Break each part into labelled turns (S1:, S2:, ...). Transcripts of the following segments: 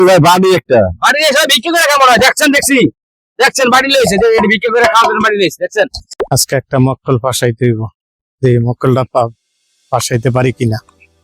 S1: বাড়ি একটা
S2: বাড়ি এসে বিক্রি করে কেমন হয় দেখছেন বাড়ি লইছে যে এটা বিক্রি করে খাওয়ার জন্য বাড়ি লইছে দেখছেন।
S3: আজকে একটা মক্কল ফাঁসাইতে হইব, যে মক্কলটা ফাঁসাইতে পারি কিনা।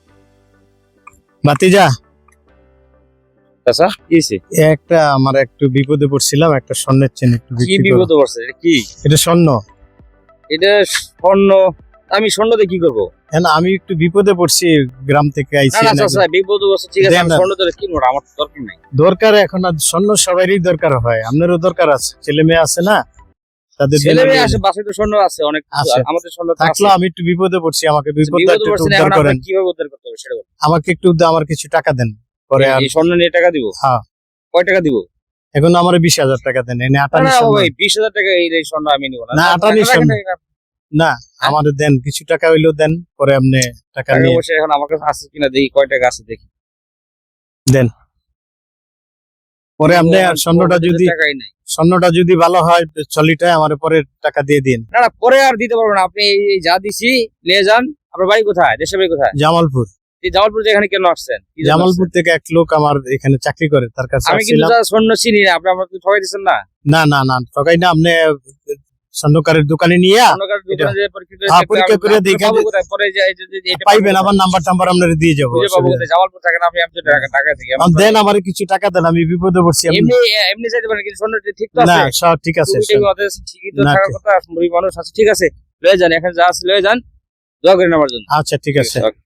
S3: বাতিজা
S2: আচ্ছা কি হইছে?
S3: একটা আমার একটু বিপদে পড়ছিলাম, একটা স্বর্ণের চেন একটু
S2: কি
S3: বিক্রি করো।
S2: বিপদ পড়ছে? এটা কি?
S3: এটা স্বর্ণ।
S2: এটা স্বর্ণ? আমি স্বর্ণ দিয়ে কি করবো?
S3: না, আমি একটু বিপদে পড়ছি, গ্রাম থেকে আইছি।
S2: না আচ্ছা বিপদ পড়ছে ঠিক আছে,
S3: দেন
S2: আমি
S3: না।
S2: স্বর্ণ দিয়ে কিনবো না, আমার তো দরকার নাই।
S3: দরকার এখন আর স্বর্ণ সবারই দরকার হয়, আপনারও দরকার আছে, ছেলে মেয়ে আছে না, তাদের
S2: ছেলে
S3: জন্য
S2: মেয়ে আছে, বাসায় তো স্বর্ণ আছে অনেক কিছু,
S3: আছে।
S2: আমাদের স্বর্ণ তো আছে।
S3: থাকলো আমি একটু বিপদে পড়ছি, আমাকে বিপদটা
S2: বিপদ
S3: একটু
S2: পড়ছে না,
S3: উদ্ধার
S2: এখন
S3: করেন।
S2: আপনাকে কিভাবে উদ্ধার করতে হবে সেটা বলুন।
S3: আমাকে একটু আমার কিছু টাকা দেন, পরে আর
S2: এই স্বর্ণ নিয়ে টাকা দিব?
S3: হ্যাঁ।
S2: কয় টাকা দিব?
S3: এখন আমার 20,000 টাকা দেন, এনে
S2: না
S3: আটানি
S2: না
S3: স্বর্ণ।
S2: ভাই, 20,000 টাকা এই স্বর্ণ আমি নিব না।
S3: না, আটানি স্বর্ণ। না, আমাদের দেন, কিছু টাকা হইলেও দেন, পরে আপনি টাকা
S2: টাকা
S3: নিয়ে
S2: পয়সা এখন আমার কাছে আছে কিনা দেখি, কয় টাকা আছে দেখি।
S3: দেন। পরে আপনি আর
S2: টাকাই নাই।
S3: স্বর্ণটা যদি ভালো হয় চলিটায় আমার পরে টাকা দিয়ে দিন।
S2: না না, পরে আর দিতে পারবো না, আপনি এই যা দিছি নিয়ে যান। আপনার বাড়ি কোথায়? দেশের বাড়ি কোথায়?
S3: জামালপুর।
S2: এই জামালপুর এখানে কেন আসছেন? কি জন্য
S3: জামালপুর
S2: আসছেন?
S3: থেকে এক লোক আমার এখানে চাকরি করে, তার কাছে
S2: আমি কিন্তু
S3: আসছিলাম।
S2: যা স্বর্ণ চিনি না, আপনি আমাকে ঠকাই দিচ্ছেন না।
S3: না না না, ঠকাই না, আপনি স্বর্ণকারের দোকানে নিয়ে
S2: স্বর্ণকার দোকানে যে পরীক্ষা করে
S3: হ্যাঁ,
S2: দেখতে
S3: পরীক্ষা করে
S2: আপনি
S3: দেখে
S2: পাবো কোথায়? পরে যে এই যে এটা
S3: পাইবেন, আমার নাম্বার টাম্বার আপনার দিয়ে যাবো।
S2: খুঁজে পাবো কোথায়? জামালপুর থাকেন আপনি, আমি তো টাকা থেকে
S3: দেন, আমার কিছু টাকা দেন, আমি বিপদে পড়ছি।
S2: এমনি এমনি চাইতে পারেন, কিন্তু স্বর্ণ ঠিক তো
S3: না,
S2: আছে?
S3: সব ঠিক আছে।
S2: ঠিকই তো
S3: না,
S2: থাকার কথা, মুড়ি মানুষ আছে, ঠিক আছে লয়ে যান, এখানে যা আছে লয়ে যান, দোয়া করেন আমার জন্য।
S3: আচ্ছা ঠিক আছে।
S2: ওকে।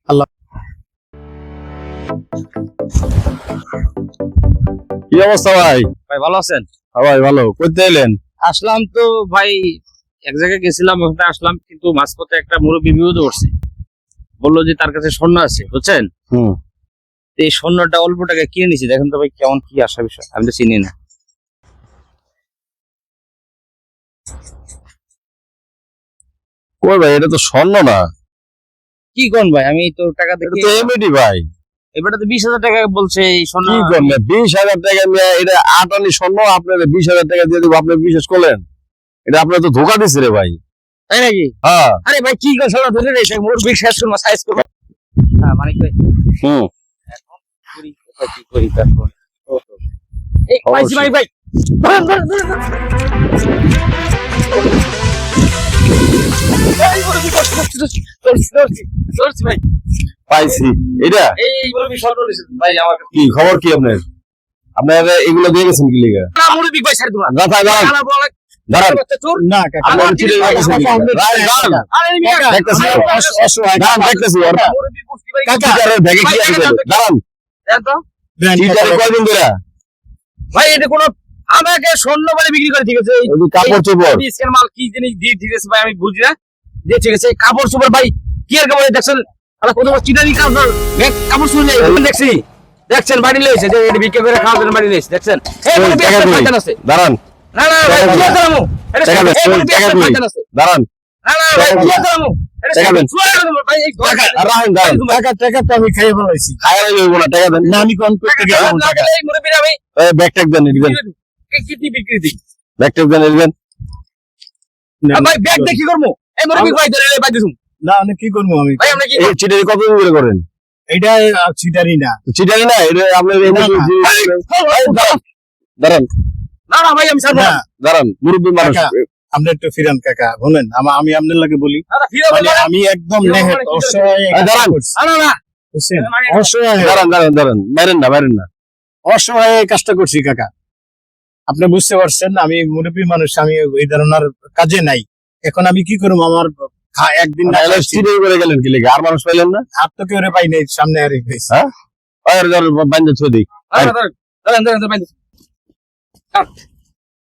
S1: কি অবস্থা ভাই?
S2: ভাই ভালো আছেন?
S1: হ্যাঁ ভাই ভালো। কইতে এলেন?
S2: আসলাম তো ভাই, এক জায়গায় গেছিলাম, ওখানে আসলাম, কিন্তু মাঝপথে একটা মুরব্বী বিপদে পড়ছে, বললো যে তার কাছে স্বর্ণ আছে বুঝছেন।
S1: হুম।
S2: তো এই স্বর্ণটা অল্প টাকায় কিনে নিছি, দেখেন তো ভাই কেমন কি আসা বিষয়, আমি তো চিনি না।
S1: কই ভাই, এটা তো স্বর্ণ না,
S2: কি কোন ভাই, আমি তো টাকা
S1: এটা
S2: দেখি
S1: তো এমএডি ভাই।
S2: এবারে তো 20,000 টাকা বলছে এই স্বর্ণ।
S1: কি করলেন? 20,000 টাকা নিয়ে এটা আটানি স্বর্ণ আপনার 20,000 টাকা দিয়ে দিব, আপনি বিশ্বাস করলেন? এটা আপনার তো ধোকা দিচ্ছে রে ভাই।
S2: তাই নাকি?
S1: হ্যাঁ।
S2: আরে ভাই কি কথা ধরে রে, সেই মুরব্বী শেষ করবো, সাইজ করবো। হ্যাঁ মানে কি
S1: হুম।
S2: করি, কোথায় কি করি তারপর। এই পাইছি ভাই, ভাই ধরেন, ধরেন, ধরেন, ধরেন। এই মুরব্বি ধরছি ভাই,
S1: পাইছি এটা।
S2: এই মুরব্বি স্বর্ণ নিয়েছে ভাই আমার কাছে।
S1: কি খবর কি আপনার? আপনার এগুলো দিয়ে গেছেন কি লিগা?
S2: না মুরব্বি ভাই ছাড় দিবা।
S1: দাঁড়ান দাঁড়ান
S2: আলা বলা
S1: দাঁড়ান।
S2: চোর।
S3: না কাকা,
S1: আপনার
S2: আমার
S1: চিঠি
S2: ভাই,
S1: গেছেন কি
S2: আমার
S1: লিগা? দাঁড়ান, দাঁড়ান।
S2: আরে মিয়া
S1: দেখতেছি।
S3: অসহায়
S1: দাঁড়ান, দেখতেছি ওরা।
S2: মুরব্বি বুঝতে ভাই
S3: কাকা,
S1: চিটারের ব্যাগে কি আছে? দাঁড়ান।
S2: দেন তো
S3: দেন
S1: চিটারে
S3: কাকা।
S1: কয়দিন ধরে?
S2: ভাই, এটা কোনো আমাকে স্বর্ণ বলে বিক্রি করে, ঠিক আছে?
S1: ওই যে কাপড় চোপড়।
S2: স্ক্যান মাল কি জিনিস দিয়ে, ঠিক আছে ভাই, আমি বুঝি না যে, ঠিক আছে কাপড় চোপড় ভাই, কি আর কাপড় দেখছেন? আরে কত বড় চিটারি কাপড়, কাপড় শুনে দেখছেন বাড়ি লইছে যে এটা বিক্রি করে খাওয়ার জন্য বাড়ি লইছে দেখছেন। এই
S1: ওই
S2: মুরব্বি
S1: টাকা
S2: একটা
S1: কই?
S2: ফায়দা আছে।
S1: দাঁড়ান,
S2: না না ভাই,
S1: টাকা
S2: কি
S1: কই?
S2: করলাম? এটা
S1: টাকা দেন,
S2: এই মুরব্বি
S1: টাকা
S2: একটা
S1: কই?
S2: ফায়দা আছে।
S1: দাঁড়ান।
S2: না না ভাই, কি করলাম?
S1: টাকা দেন।
S2: ভাই এই
S1: টাকা রাখেন, দাঁড়ান।
S3: টাকা তো আমি খাইয়ে ফেলাইছি।
S1: খায়া লইব না, টাকা দেন।
S3: না, আমি কোন করতে গেলাম টাকা।
S2: এই মুরব্বি আমি
S1: ব্যাগ ট্যাগ দেন, দিবেন।
S2: কি বিক্রি দিই।
S1: ব্যাগ ট্যাগ দেন, দিবেন।
S2: ভাই ব্যাগ দিয়ে কি করবো? এই মুরব্বি ভাই ধরে ভাই দিছুম।
S3: না, আমি কি করবো? আমি
S2: ভাই আমরা কি
S1: এই চিটারি কতদিন ধরে করেন?
S3: এটা চিটারি না।
S1: চিটারি না, এটা আপনার এই
S3: না, না।
S1: এই দাঁড়ান, দাঁড়ান,
S2: না না ভাই আমি ছাড়বো
S3: না,
S2: না।
S1: দাঁড়ান, মুরব্বী মানুষ।
S3: কাকা, আপনি একটু ফিরান কাকা, বলেন। আমি আপনার লাগে বলি,
S2: না না ফিরে
S3: মানে
S2: বলো।
S3: আমি একদম
S2: ফিরে
S3: নেহেত
S2: বলো, কি
S3: অসহায়
S1: করছে? দাঁড়ান।
S3: করছি,
S2: না না না
S3: বুঝছেন?
S2: মানে
S3: অসহায়
S1: দাঁড়ান, দাঁড়ান, দাঁড়ান, বাইরেন না, বাইরেন না।
S3: অসহায় এই কাজটা করছি কাকা। আপনি বুঝতে পারছেন, আমি মুরব্বী মানুষ, আমি এই ধরনের কাজে নাই। এখন আমি কি করবো? আমার একদিন না
S1: তাহলে
S3: খাইছি,
S1: চিটারি করে গেলেন কি লিগা? আর মানুষ পাইলেন না?
S3: আর তো কেউ পাই নাই, সামনে আর হয়েছে।
S1: আর বান্ধব ছদি।
S2: দাঁড়ান দাঁড়ান দাঁড়ান দাঁড়ান দাঁড়ান